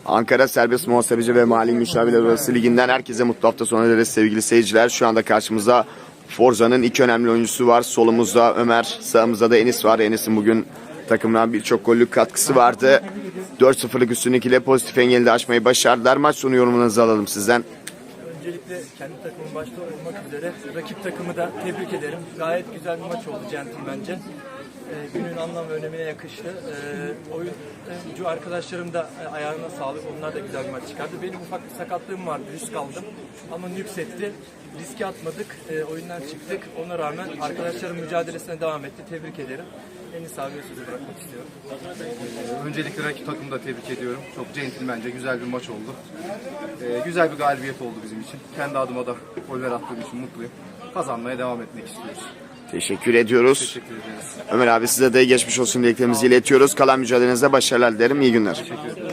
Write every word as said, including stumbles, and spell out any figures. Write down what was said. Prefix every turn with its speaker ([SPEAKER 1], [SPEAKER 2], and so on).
[SPEAKER 1] Ankara Serbest Muhasebeci ve Mali Müşavirler Odası Ligi'nden herkese mutlu hafta sonu dileriz sevgili seyirciler. Şu anda karşımızda Forza'nın iki önemli oyuncusu var. Solumuzda Ömer, sağımızda da Enis var. Enis'in bugün takımına birçok gollük katkısı vardı. dört sıfırlık üstünlük ile pozitif engeli de aşmayı başardılar. Maç sonu yorumunuzu alalım sizden.
[SPEAKER 2] Öncelikle kendi takımım başta olmak üzere rakip takımı da tebrik ederim. Gayet güzel bir maç oldu centilmence. Ee, günün anlam ve önemine yakıştı. Ee, oyuncu arkadaşlarım da e, ayağına sağlık. Onlar da güzel bir maç çıkardı. Benim ufak bir sakatlığım vardı. Risk aldım. Ama nüksetti. Riski atmadık. E, oyundan çıktık. Ona rağmen arkadaşlarım mücadelesine devam etti. Tebrik ederim. Enis abiye sözü bırakmak istiyorum.
[SPEAKER 3] Öncelikle rakip takımı da tebrik ediyorum. Çok centilmence güzel bir maç oldu. Ee, güzel bir galibiyet oldu bizim için. Kendi adıma da goller attığım için mutluyum. Kazanmaya devam etmek istiyoruz.
[SPEAKER 1] Teşekkür ediyoruz.
[SPEAKER 3] Teşekkür ederiz.
[SPEAKER 1] Ömer abi size de geçmiş olsun dileklerimizi iletiyoruz. Kalan mücadelenizde başarılar dilerim. İyi günler.
[SPEAKER 3] Teşekkür ederim.